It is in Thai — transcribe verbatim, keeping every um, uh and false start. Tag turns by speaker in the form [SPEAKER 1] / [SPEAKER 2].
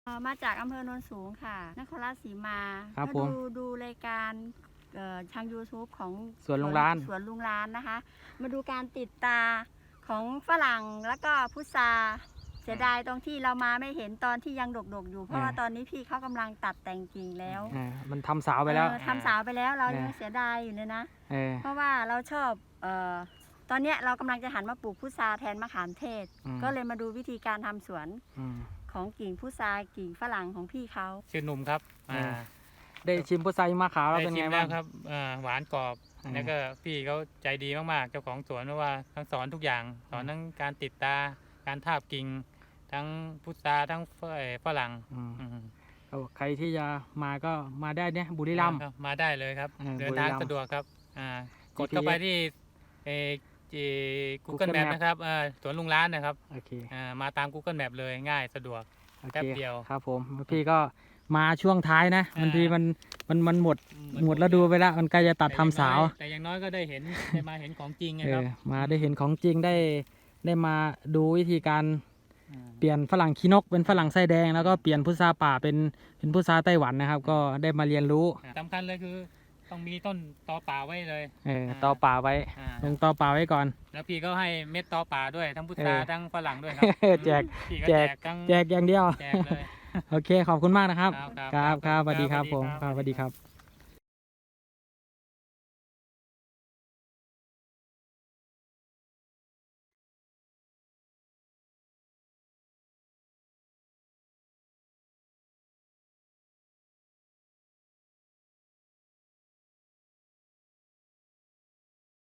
[SPEAKER 1] เอ่อมาจากอำเภอโนนสูงค่ะนครราชสีมา
[SPEAKER 2] ครับ
[SPEAKER 1] ก็
[SPEAKER 2] ผม
[SPEAKER 1] ดูดูรายการเอ่อทาง YouTube ของ
[SPEAKER 2] สวนลุงร้าน
[SPEAKER 1] สวนลุงร้านนะคะ มาดูการติดตาของฝรั่งแล้วก็พุทราเสียดายตรงที่เรามาไม่เห็นตอนที่ยังดกๆอยู่เพราะว่าตอนนี้พี่เขากำลังตัดแต่งกิ่งแล้ว
[SPEAKER 2] อ่ามันทำสาวไปแล้ว
[SPEAKER 1] เออทำสาวไปแล้วเรายัง
[SPEAKER 2] เนี่ย
[SPEAKER 1] เสียดายอยู่เลยนะ
[SPEAKER 2] เออ
[SPEAKER 1] เพราะว่าเราชอบเอ่อตอนเนี้ยเรากำลังจะหันมาปลูกพุทราแทนมะขามเทศ
[SPEAKER 2] อืม
[SPEAKER 1] ก็เลยมาดูวิธีการทำสวน
[SPEAKER 2] อืม
[SPEAKER 1] ของกิ่งพุทรากิ่งฝรั่งของพี่เขา
[SPEAKER 3] ชื่อหนุ่มครับ
[SPEAKER 2] เออ
[SPEAKER 3] อ่า
[SPEAKER 2] ได้ชิมพุทราหิมะขาวแล้ว
[SPEAKER 3] ได้
[SPEAKER 2] เป็น
[SPEAKER 3] ชิ
[SPEAKER 2] ไง
[SPEAKER 3] ม
[SPEAKER 2] บ้า
[SPEAKER 3] แล้
[SPEAKER 2] ง
[SPEAKER 3] วครับอ่าหวานกรอบ
[SPEAKER 2] อืม
[SPEAKER 3] แล้วก็พี่เขาใจดีมากๆเจ้าของสวนเพราะว่าทั้งสอนทุกอย่างสอนทั้งการติดตาการทาบกิ่งทั้งพุทราทั้งเอ่อฝรั่ง
[SPEAKER 2] อืม
[SPEAKER 3] อืม
[SPEAKER 2] เอาใครที่จะมาก็มาได้เนี่ยบุรีรัมย์
[SPEAKER 3] ครับมาได้เลยครับ
[SPEAKER 2] เออ
[SPEAKER 3] เดินทาง
[SPEAKER 2] บุรีรัมย์
[SPEAKER 3] สะดวกครับอ่ากด
[SPEAKER 2] จี พี เอส
[SPEAKER 3] เข้าไปที่เอ่อ
[SPEAKER 2] Google
[SPEAKER 3] Google Map
[SPEAKER 2] Map
[SPEAKER 3] นะครับอ่าสวนลุงร้านนะครับ
[SPEAKER 2] โอเค
[SPEAKER 3] อ่ามาตาม Google Map เลยง่ายสะดวก
[SPEAKER 2] โอเค
[SPEAKER 3] แป๊บเดียว
[SPEAKER 2] ครับผมพี่ก็มาช่วงท้ายนะ
[SPEAKER 3] อ่า
[SPEAKER 2] บางทีมันมันมันหมดหมดแล้วดูไปแล้วมันใกล้จะตัดทำสาว
[SPEAKER 3] แต่อย่างน้อยก็ได้เห็นได้มาเห็นของจริงไง
[SPEAKER 2] เอ
[SPEAKER 3] ครับ
[SPEAKER 2] อมาได้เห็นของจริงได้ได้มาดูวิธีการ
[SPEAKER 3] อ่า
[SPEAKER 2] เปลี่ยนฝรั่งขี้นกเป็นฝรั่งไส้แดงแล้วก็เปลี่ยนพุทราป่าเป็นเป็นพุทราไต้หวันนะครับ ก็ได้มาเรียนรู้
[SPEAKER 3] สำคัญเลยคือต้องมีต้นตอป่าไว้เลย
[SPEAKER 2] เออ
[SPEAKER 3] อ่า
[SPEAKER 2] ต่อป่าไว้
[SPEAKER 3] อ่า
[SPEAKER 2] ลงต่อป่าไว้ก่อน
[SPEAKER 3] แล้วพี่ก็ให้เม็ดตอป่าด้วยทั้งพุทรา
[SPEAKER 2] เออ
[SPEAKER 3] ทั้งฝรั่งด้วยครับ
[SPEAKER 2] แจก
[SPEAKER 3] พี่ก็
[SPEAKER 2] แจ
[SPEAKER 3] แจ
[SPEAKER 2] ก
[SPEAKER 3] กทั้ง
[SPEAKER 2] แจกอย่างเดียว
[SPEAKER 3] แจกเลย
[SPEAKER 2] โอเคขอบคุณมากนะครับ
[SPEAKER 3] ครับ
[SPEAKER 2] ครับครับสวัสดีครับ
[SPEAKER 3] ครับ
[SPEAKER 2] ผม
[SPEAKER 3] สวัสดีครับ
[SPEAKER 2] ครับสวัสดีครับ